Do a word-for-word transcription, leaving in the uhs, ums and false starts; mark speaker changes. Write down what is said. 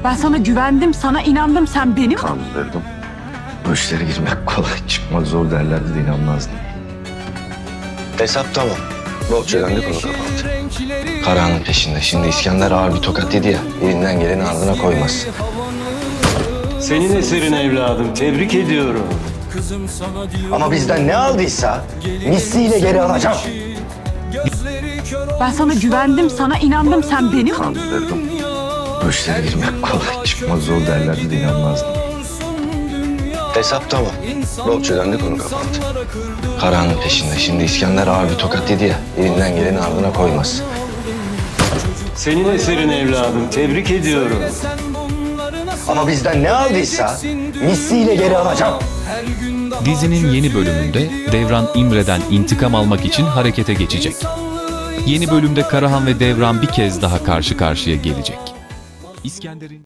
Speaker 1: Ben sana güvendim, sana inandım. Sen benim...
Speaker 2: Kandırdım. Bu işlere girmek kolay, çıkmak zor derlerdi de inanmazdım. Hesap tamam. Borç ödendi, konu kapandı. Karahan'ın peşinde. Şimdi İskender ağır bir tokat yedi ya. Elinden geleni ardına koymaz.
Speaker 3: Senin eserin evladım. Tebrik ediyorum.
Speaker 2: Ama bizden ne aldıysa misliyle geri alacağım.
Speaker 1: Ben sana güvendim, sana inandım. Sen benim...
Speaker 2: Kandırdım. Bu işlere girmek kolay, çıkmak zor derlerdi de inanmazdım. Hesap tamam. Borç ödendi, konu kapandı. Karahan'ın peşinde. Şimdi İskender ağır bir tokat yedi ya. Elinden geleni ardına koymaz.
Speaker 3: Senin eserin evladım. Tebrik ediyorum.
Speaker 2: Ama bizden ne aldıysa misliyle geri alacağım.
Speaker 4: Dizinin yeni bölümünde Devran İmre'den intikam almak için harekete geçecek. Yeni bölümde Karahan ve Devran bir kez daha karşı karşıya gelecek. İskender'in